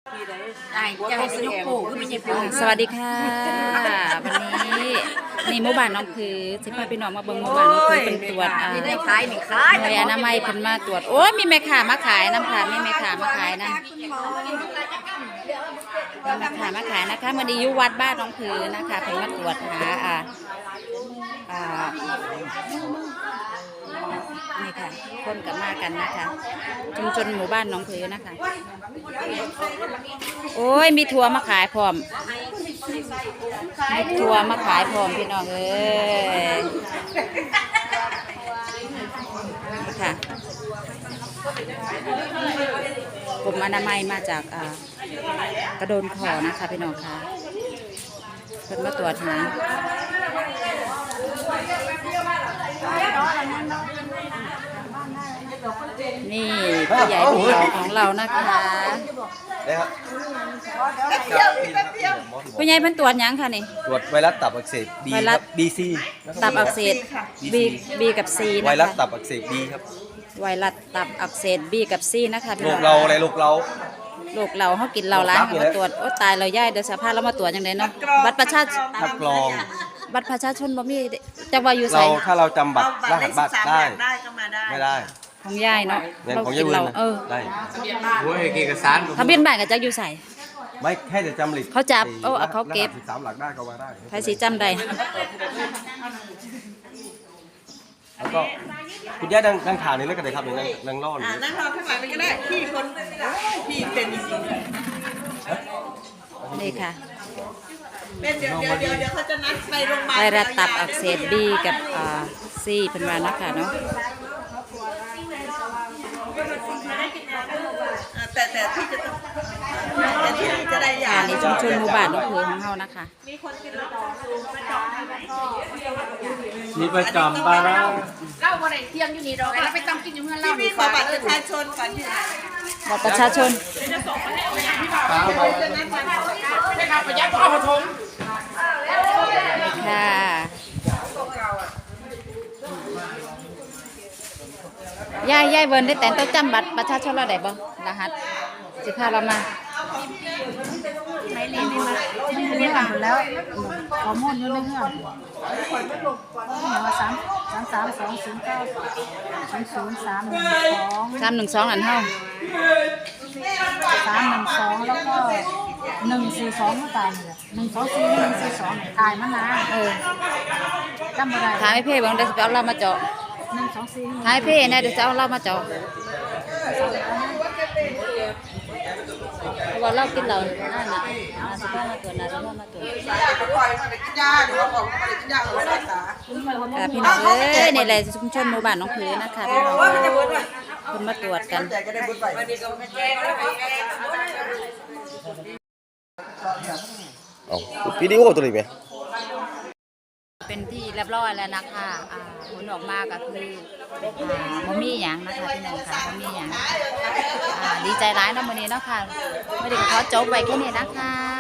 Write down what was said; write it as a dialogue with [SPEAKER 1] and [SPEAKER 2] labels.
[SPEAKER 1] สวัสดีค่ะวันนี้นี่หมู่บ้านน้องผือสิพาพี่น้องมาเบิ่งหมู่บ้านน้องผือเป็นตรวจหน่วยอนามัยเพิ่นมาตรวจโอ้ยมีแม่ค้ามาขายน้ำค่ะมีแม่ค้ามาขายนะแม่ค้ามาขายนะคะมันดีอยู่วัดบ้านน้องผือนะคะเพิ่นมาตรวจหานี่ค่ะคนกับมากันนะคะชุมชนหมู่บ้านน้องผือนะคะโอ้ยมีทัวร์มาขายพร้อมมีทัวร์มาขายพร้อมพี่น้องเอ้ยค่ะกลุ่มอนามัยมาจากกระโดนขอนะคะพี่น้องค่ะเพิ่นมาตรวจหานี่ผู้ใหญ่ผู้เราของเรานะคะผู้ใหญ่เพิ่นตรวจยังค่ะนี่
[SPEAKER 2] ตรวจไวรัสตับอักเสบ B ครับ BC
[SPEAKER 1] ตับอักเสบ B กับ C นะคะ
[SPEAKER 2] ไวรัสตับอักเสบ B ครับ
[SPEAKER 1] ไวรัสตับอักเสบ B กับ C นะคะ
[SPEAKER 2] โรคเราอะไรโรคเรา
[SPEAKER 1] เขากินเราล้างมาตรวจโอ้ตายเราย่ายเดี๋ยวสภาพเรามาตรวจยังไงเนาะบัตรประชาชน
[SPEAKER 2] คัดกรอง
[SPEAKER 1] บัตรประชาชนบ่มีจังว่าอยู่ไส
[SPEAKER 2] ถ้าเราจำบัตรรหัสบัตรได้
[SPEAKER 3] ก็มาได้
[SPEAKER 2] ไม่ได้
[SPEAKER 1] ของย่ายเนาะ
[SPEAKER 2] เรากินเราได้
[SPEAKER 3] โอ้ยเอกสาร
[SPEAKER 1] ทะเบียนบ้านก็จักอยู่ไส
[SPEAKER 2] ไม่แค่จะจำหลิก
[SPEAKER 1] เขาจับเขาเก็บ
[SPEAKER 2] 13หลักได้ก็มาได้
[SPEAKER 1] ใครสิจำได้
[SPEAKER 2] แล้วก็คุณย่านั่งทานนี่แล้วกันเลยครับนั่งรอนี่
[SPEAKER 3] นั่งรอข้างหลังก็ได้พี่เป็นจริง
[SPEAKER 1] นี่ค่ะ
[SPEAKER 3] เป็นเดี๋ยวเขาจะนัดไปโรงพยาบาล
[SPEAKER 1] ไวรัสตับอักเสบ B กับC เป็นว่านะคะเนาะ
[SPEAKER 3] แต่ที่จะต้องที่จะได้ยา
[SPEAKER 1] ในชุมชนหมู่บ้านน้องผือของเรานะคะ
[SPEAKER 2] มีประจำบ้าง
[SPEAKER 4] เล่าบ่ได้เที่ยงอยู่นี่ดอกแล้วไปต้องกินอยู่เมื่อเล่า
[SPEAKER 3] ที่มีขอบัตรประชาชนก่อนที่
[SPEAKER 1] บัตรประชาชนค่ะย่ายเวิร์นได้แต่ต้องจำบัตรประชาชนเราได้บ่รหัสสิพาเรามา
[SPEAKER 4] ไม่เรียนนี่มาเรียนกันแล้วข้อมูลอยู่ในเงื่อนว่า
[SPEAKER 1] 312อันเฮา
[SPEAKER 4] 312แล้วก็142ตายนี่แหละ124ตายมานานจำบ่ได้
[SPEAKER 1] ถามให้เพ่บ่ได้สิเอาเรามาเจาะ
[SPEAKER 4] 124
[SPEAKER 1] ถามให้เพ่เนี่ยเดี๋ยวจะเอาเรามาเจาะว่าเรากินเรานั่นน่ะสิพามาตรวจนะสิพามาตรวจพี่น้องเอ้ยนี่แหละชุมชนหมู่บ้านน้องผือนะคะพี่น้องคนมาตรวจกัน
[SPEAKER 2] วิดีโอตัวนี้ไหม
[SPEAKER 1] เป็นที่เรียบร้อยแล้วนะคะผลออกมาก็คือบ่มีหยังนะคะพี่น้องค่ะบ่มีหยังดีใจร้ายนะมื้อนี้เนาะค่ะไม่ได้ขอจบไว้แค่นี้นะคะ